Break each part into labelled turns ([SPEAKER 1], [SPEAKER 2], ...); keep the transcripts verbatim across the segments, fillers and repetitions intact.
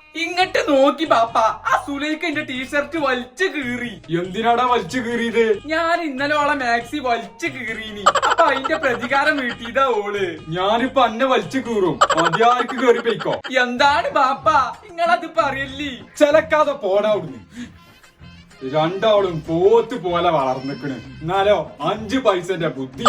[SPEAKER 1] ഇങ്ങട്ട് നോക്കി ബാപ്പ, ആ സുലൈക്ക് എന്റെ ടീഷർട്ട് വലിച്ചു കീറി.
[SPEAKER 2] എന്തിനാടാ വലിച്ചു കീറിയത്?
[SPEAKER 1] ഞാൻ ഇന്നലെ ഓളെ മാക്സി വലിച്ചു കീറീനി. അപ്പൊ അതിന്റെ പ്രതികാരം വീട്ടിയതാ ഓള്.
[SPEAKER 2] ഞാനിപ്പോ അന്നെ വലിച്ചു കീറും, മതിയാർക്ക് കേറി പോയിക്കോ.
[SPEAKER 1] എന്താണ് ബാപ്പ നിങ്ങളത് പറയല്ലേ?
[SPEAKER 2] ചെലക്കാതെ പോടാ അവിടുന്ന്. രണ്ടാളും പോത്ത് പോലെ വളർന്നിക്കണ്, എന്നാലോ അഞ്ചു പൈസന്റെ ബുദ്ധി.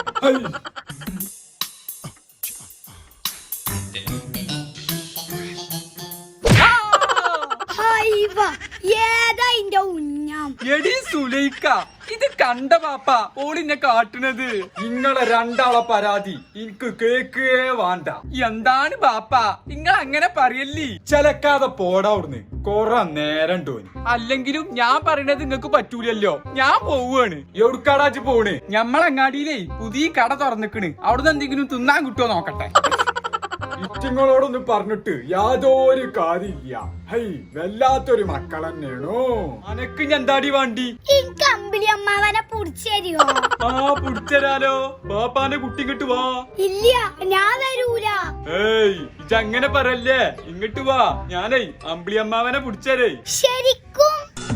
[SPEAKER 1] എടി സുലൈക്ക, ഇത് കണ്ട പാപ്പ ഓളിന്നെ കാട്ടുന്നത്.
[SPEAKER 2] നിങ്ങളെ രണ്ടാളെ പരാതി എനിക്ക് കേക്കേ വേണ്ട.
[SPEAKER 1] എന്താണ് ബാപ്പ നിങ്ങൾ അങ്ങനെ പറയല്ലേ?
[SPEAKER 2] ചെലക്കാതെ പോടാ അവിടുന്ന്, കൊറേ നേരം ടോനി.
[SPEAKER 1] അല്ലെങ്കിലും ഞാൻ പറയണത് നിങ്ങക്ക് പറ്റൂലല്ലോ. ഞാൻ പോവാണ്.
[SPEAKER 2] എവിടുക്കാടാച്ച് പോണ്?
[SPEAKER 1] ഞമ്മളങ്ങാടിയിലേ പുതിയ കട തുറന്നിക്കണ്, അവിടുന്ന് എന്തെങ്കിലും തിന്നാൻ കിട്ടുമോ നോക്കട്ടെ.
[SPEAKER 2] ഇറ്റിങ്ങളോടൊന്നും പറഞ്ഞിട്ട് യാതൊരു കാര്യമില്ല. ഹൈ, വല്ലാത്തൊരു മക്കൾ തന്നെയാണോ. അനക്ക് എന്താടി വേണ്ടി?
[SPEAKER 3] അമ്മാവനെ പുടിച്ചേരിയോ?
[SPEAKER 2] ആ പുടിച്ചരാലോ. ബാപ്പാന്റെ കുട്ടി ഇങ്ങോട്ട് വാ.
[SPEAKER 3] ഇല്ല, ഞാൻ വരൂല.
[SPEAKER 2] ഏയ് ഇജങ്ങനെ പറയല്ലേ, ഇങ്ങോട്ട് വാ. ഞാനേ അമ്പിളി അമ്മാവനെ പുടിച്ചരേ.
[SPEAKER 3] ശരിക്കും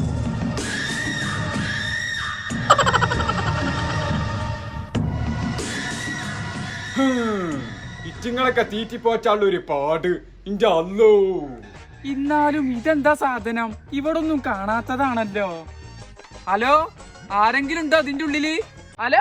[SPEAKER 2] ഇറ്റിങ്ങളൊക്കെ തീറ്റിപ്പോച്ചാലുള്ള ഒരു പാട് ഇന്റെ അല്ലോ.
[SPEAKER 1] എന്നാലും ഇതെന്താ സാധനം? ഇവിടൊന്നും കാണാത്തതാണല്ലോ. ഹലോ, ആരെങ്കിലും ഉണ്ടോ അതിന്റെ ഉള്ളില്? ഹലോ,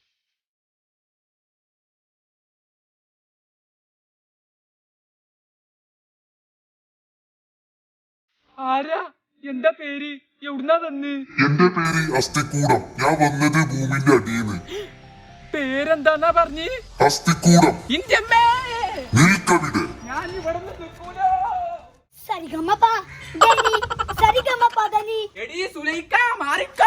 [SPEAKER 1] ആരാ? എന്താ പേര്? എവിടുന്നാ തന്ന്?
[SPEAKER 4] എന്റെ പേര് അസ്ഥിക്കൂടം. ഞാൻ വന്നത് ഭൂമിന്റെ അടിയിന്ന്.
[SPEAKER 1] പേരെന്താന്നാ പറഞ്ഞ്?
[SPEAKER 4] അസ്ഥിക്കൂടം. നിൽക്കവിടെ.
[SPEAKER 1] ഞാൻ ഇവിടെ നിൽക്കൂല.
[SPEAKER 3] സരിഗമപ ദനി സരിഗമപ ദനി.
[SPEAKER 1] എടി സുലൈക്ക, മാറിക്കോ.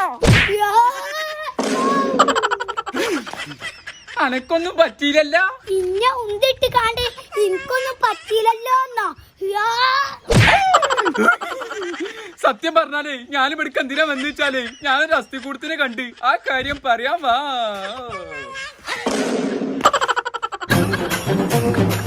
[SPEAKER 1] അനക്കൊന്നും പറ്റിയില്ലല്ലോ.
[SPEAKER 3] പിന്നെ ഉണ്ടിട്ട് കാണ്ട് എനിക്കൊന്നും പറ്റിയില്ലല്ലോ.
[SPEAKER 1] സത്യം പറഞ്ഞാലേ ഞാനും ഇവിടേക്ക് എന്തിനാ വന്നു വെച്ചാലേ ഞാനൊരു അസ്ഥികൂടത്തിനെ കണ്ട് ആ കാര്യം പറയാൻ വാ.